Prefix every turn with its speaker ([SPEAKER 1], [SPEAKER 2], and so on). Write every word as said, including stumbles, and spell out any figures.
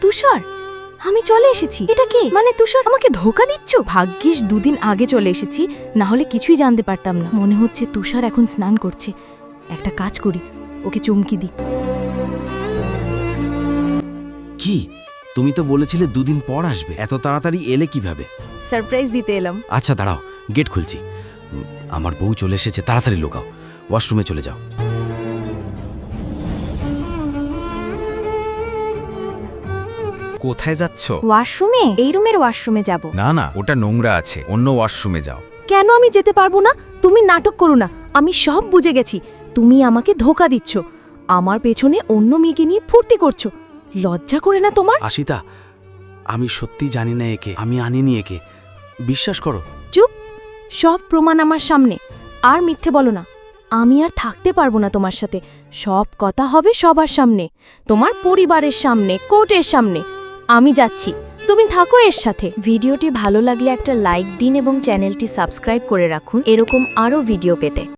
[SPEAKER 1] তুষার, আমি চলে এসেছি। এটা কে? মানে তুষার আমাকে ধোকা দিচ্ছ? ভাগ্যিস দুদিন আগে চলে এসেছি, না হলে কিছুই জানতে পারতাম না। মনে হচ্ছে তুষার এখন স্নান করছে। একটা কাজ করি, ওকে চুমকি দিই।
[SPEAKER 2] কি, তুমি তো বলেছিলে দুদিন পর আসবে, এত তাড়াতাড়ি এলে কিভাবে?
[SPEAKER 1] সারপ্রাইজ দিতে এলাম।
[SPEAKER 2] আচ্ছা দাঁড়াও, গেট খুলছি। উম, আমার বউ চলে এসেছে, তাড়াতাড়ি লুকাও, ওয়াশরুমে চলে যাও।
[SPEAKER 3] কোথায় যাচ্ছ?
[SPEAKER 1] ওয়াশরুমে? এই রুমের ওয়াশরুমে যাব।
[SPEAKER 3] না না, ওটা নোংরা আছে, অন্য ওয়াশরুমে যাও।
[SPEAKER 1] কেন আমি যেতে পারবো না? তুমি নাটক করো না, আমি সব বুঝে গেছি। তুমি আমাকে ধোকা দিচ্ছ, আমার পেছনে অন্য মেয়েকে নিয়ে ফুর্তি করছো। লজ্জা করে না তোমার?
[SPEAKER 2] আশিতা, আমি সত্যি জানি না একে, আমি আনিনি একে, বিশ্বাস করো।
[SPEAKER 1] চুপ, সব প্রমাণ আমার সামনে। আর মিথ্যে বলো না, আমি আর থাকতে পারবো না তোমার সাথে। সব কথা হবে সবার সামনে, তোমার পরিবারের সামনে, কোর্টের সামনে। আমি যাচ্ছি, তুমি থাকো এর সাথে। ভিডিওটি ভালো লাগলে একটা লাইক দিন এবং চ্যানেলটি সাবস্ক্রাইব করে রাখুন এরকম আরও ভিডিও পেতে।